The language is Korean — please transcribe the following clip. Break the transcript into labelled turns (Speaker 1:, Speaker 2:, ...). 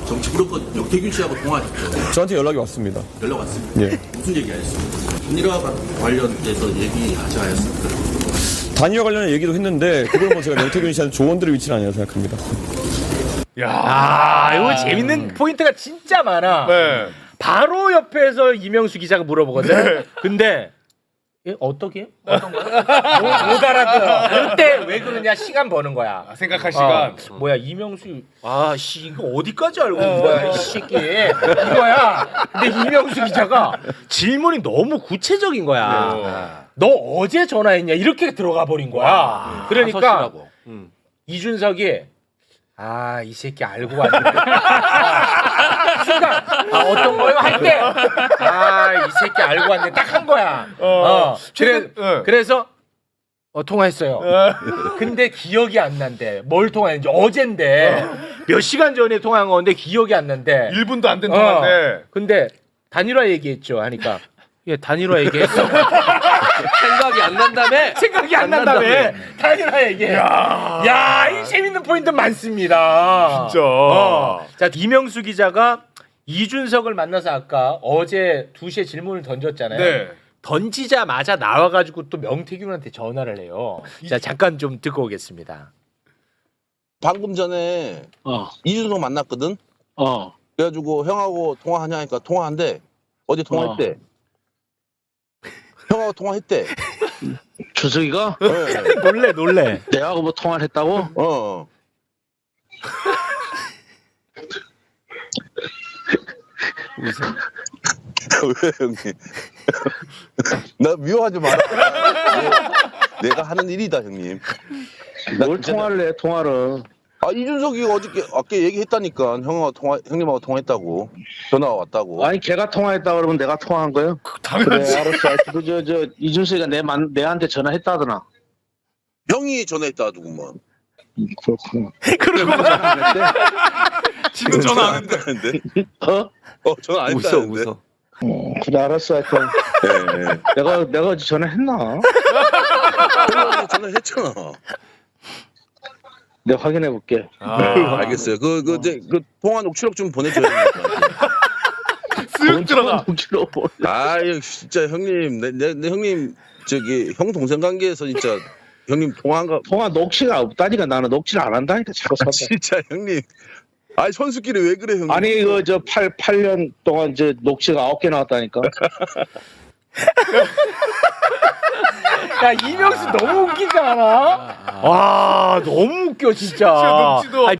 Speaker 1: 정치 브로커 역태균 씨하고 통화했죠.
Speaker 2: 저한테 연락이 왔습니다.
Speaker 1: 연락 왔습니다.
Speaker 2: 예.
Speaker 1: 무슨 얘기 하셨습니까? 단일화 관련돼서 얘기하지 않았습니까?
Speaker 2: 단일화 관련한 얘기도 했는데 그걸 뭐 제가 명태균 씨한테 조언드릴 위치는 아니라고 생각합니다.
Speaker 3: 야, 이거 재밌는 포인트가 진짜 많아.
Speaker 4: 네.
Speaker 3: 바로 옆에서 이명수 기자가 물어보거든. 근데 어떻게? 어떤 거야? 못 알아들어. 그럴 때 왜 그러냐? 시간 버는 거야.
Speaker 4: 생각할 시간.
Speaker 3: 뭐야 이명수? 아씨 이거 어디까지 알고 있는 거야 이 새끼? 이거야. 근데 이명수 기자가 질문이 너무 구체적인 거야. 너 어제 전화했냐? 이렇게 들어가 버린 거야. 그러니까 이준석이 이 새끼 알고 왔네. 순간 어떤 거요? 할 때 이 새끼 알고 왔네. 딱 한 거야. 그래서 통화했어요. 근데 기억이 안 난대. 뭘 통화했는지 어젠데 몇 시간 전에 통화한 건데 기억이 안 난대.
Speaker 4: 1분도 안 된 동안인데.
Speaker 3: 근데 단일화 얘기했죠. 하니까 예 단일화 얘기했어.
Speaker 5: 생각이 안 난다며?
Speaker 3: 생각이 안 난다며. 단일화 얘기해. 야, 이 재밌는 포인트 많습니다.
Speaker 4: 진짜.
Speaker 3: 자, 이명수 기자가 이준석을 만나서 아까 어제 2시에 질문을 던졌잖아요.
Speaker 4: 네.
Speaker 3: 던지자마자 나와가지고 또 명태균한테 전화를 해요. 자, 잠깐 좀 듣고 오겠습니다.
Speaker 6: 방금 전에 이준석 만났거든. 그래가지고 형하고 통화하냐 하니까 통화한대. 어제 통화했대. 형하고 통화했대.
Speaker 5: 주석이가?
Speaker 6: 네.
Speaker 3: 놀래.
Speaker 5: 내하고 뭐 통화를 했다고?
Speaker 6: 왜 형님? 나 미워하지 마라. 내가 하는 일이다 형님.
Speaker 5: 뭘 통화를 해, 통화를.
Speaker 6: 이준석이 어저께 아까 얘기했다니까. 형님하고 통화했다고. 전화가 왔다고.
Speaker 5: 아니, 걔가 통화했다 그러면 내가 통화한 거예요?
Speaker 4: 당연하지.
Speaker 5: 그래, 알았어. 저 이준석이가 내한테 전화했다더나.
Speaker 6: 형이 전화했다더구만.
Speaker 5: 그렇구나.
Speaker 4: 지금 전화 안 했는데.
Speaker 6: 전화 안 했다는데.
Speaker 5: 그래, 알았어. 하여튼.
Speaker 6: 네.
Speaker 5: 내가 어제 전화했나?
Speaker 6: 형한테 전화했잖아.
Speaker 5: 내가 확인해 볼게.
Speaker 6: 알겠어요. 그 통화 녹취록 좀 보내줘야 됩니다.
Speaker 4: 쓱 들어가.
Speaker 6: 아유 진짜 형님, 내 형님 저기 형 동생 관계에서 진짜 형님 통화
Speaker 5: 녹취가 없다니까. 나는 녹취를 안 한다니까. 자꾸
Speaker 6: 진짜 형님. 아니 선수끼리 왜 그래 형님?
Speaker 5: 아니 이거 저 8년 동안 저 녹취가 9개 나왔다니까.
Speaker 3: 야, 이명수 너무 웃기지 않아? 와, 너무 웃겨 진짜.
Speaker 4: 진짜 녹취도